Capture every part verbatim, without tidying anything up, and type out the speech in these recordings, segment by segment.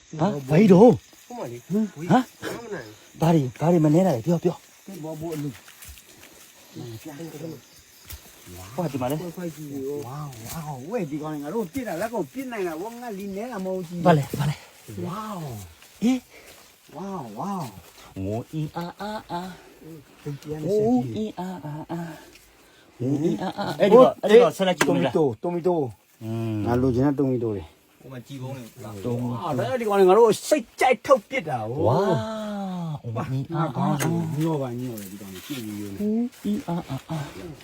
ဟာဘာကြီးတော့ဟုတ်ပါလေဟမ်ဟာမနိုင်ဘာတွေဘာတွေမနေလိုက်ပြောပြောဘောဘောအလူဟောဒီမှာလေခွိုက်ကြည့်ရောဝါဝါဝဲဒီကောင်ငါတို့ပြစ်တာလက်ကိုပြစ်နိုင်တာဝငါလီနေတာမဟုတ်ကြီးဘာလဲဘာလဲဝါဟင်ဝါဝါဝိုအီအာအာအာပြန်ပြန်ဝိုနေအီအာအာအာဝိုအီအာအာအဲ့ဒီကအဲ့ဒီကဆက်လက်ကြည့်တိုဦးမမီလားတိုတိုမီတိုอืมငါလိုချင်တဲ့တိုမီတိုတွေဟိုမှာကြည်ကုန်းလေတုံးအာဒါဒီကောင်ငါတို့စိတ်ကြိုက်ထုတ်ပြစ်တာဟိုဝါဝိုအီအာအာအာညောပါညောတယ်ဒီကောင်ကြည့်ပြီးရောဝိုအီအာအာအာ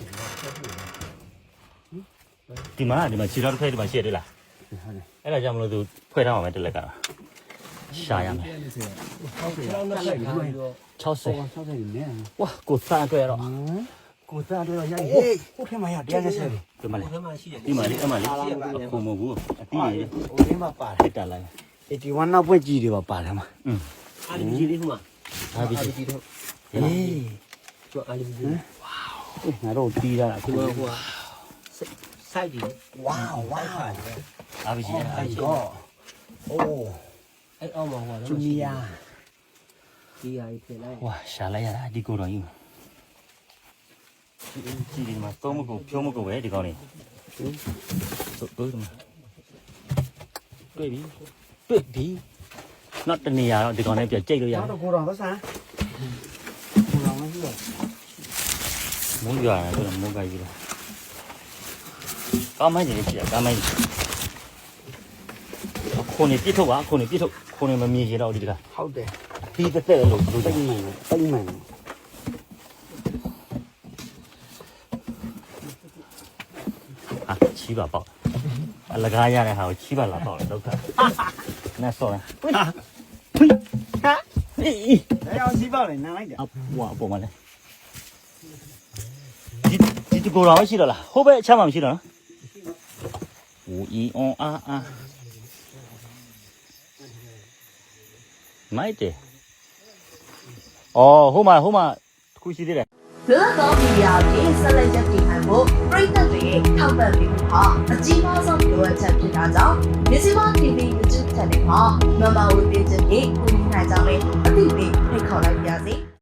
ဒီမှာဒီမှာခြေတော်တစ်ဖက်ဒီမှာရှိရတယ်လားဟုတ်တယ်အဲ့ဒါကြောင့်မလို့သူဖွဲ့ထားမှာပဲတစ်လက်ကရှာရမယ်ဟုတ်တယ်တော့ဆက်ပြီးတော့ 60 ဆောက်ဆောက်နေနေဝါကိုစားအတွက်တော့ကိုသားတော့ရဟေးဟိုထဲမှာရတရားနဲ့ဆက်တယ်ဒီမှာလေဘယ်မှာရှိတယ်ဒီမှာလေအမလေးအခုမဟုတ်ဘူးအတီးရဟိုထဲမှာပါဟစ်တာလိုက် eighty one နောက်ပွင့်ကြီးတွေပါပါတယ်မှာอืมအာလီကြီးလေးဟိုမှာဟာဒီအာလီကြီးတော့ဟေးကျော်အာလီကြီးငါတို့တီးတာအခုဟိုဟိုစိုက်တယ်ဝါဝါအာဘီကြီးအဲ့ကောအိုးအဲ့အောက်မှာဟိုဂျူနီယာဒီဟာကြီးပြင်လိုက်ဝါရှာလိုက်ရတာဒီကိုတော်ကြီးကြည့်ဒီမှာသုံးမကုန်ဖြိုးမကုန်ပဲဒီကောင်းလေးတို့တို့ဒီမှာတွေ့ပြီတွေ့ပြီနောက်တနေရာတော့ဒီကောင်းလေးပြကြိတ်လို့ရတော့ကိုတော်သဆန်းကိုတော်မရှိတော့မိုးရွာတယ်ဆိုတော့မိုးကကြီးတော့ကောင်းမိုင်းကြီးကြည့်ရကောင်းမိုင်းခုန်နေပြစ်ထုတ်ပါခုန်နေပြစ်ထုတ်ခုန်နေမမြင်ရတော့ဒီတကဟုတ်တယ်ပြီးတက်တက်လို့လို့တိတ်မှန်တိတ်မှန်啊，七把爆，啊，那个呀的还有七把拉爆了，都看，那说了，啊，呸，啊，咦咦， လည်းအောင်စီးပေါ့လေနားလိုက်တယ်啊，我不嘛嘞，你你就够了，我去了啦，后边千万不去了，五一哦啊啊，买的，哦，好嘛好嘛，可惜的嘞。 လွတ်သောမီဒီယာကိုဆက်လက်ရပ်တည်နိုင်ဖို့ပြည်သက်တွေထောက်ပံ့ပေးမှုဟာအကြီးမားဆုံးလိုအပ်ချက်ဖြစ်တာကြောင့်မြစီမ တီဗီ YouTube Channel မှာ Member ဝင်ပေးခြင်းဖြင့်ကူညီနိုင်ကြမယ်အသိပေးဖိတ်ခေါ်လိုက်ပါရစေ။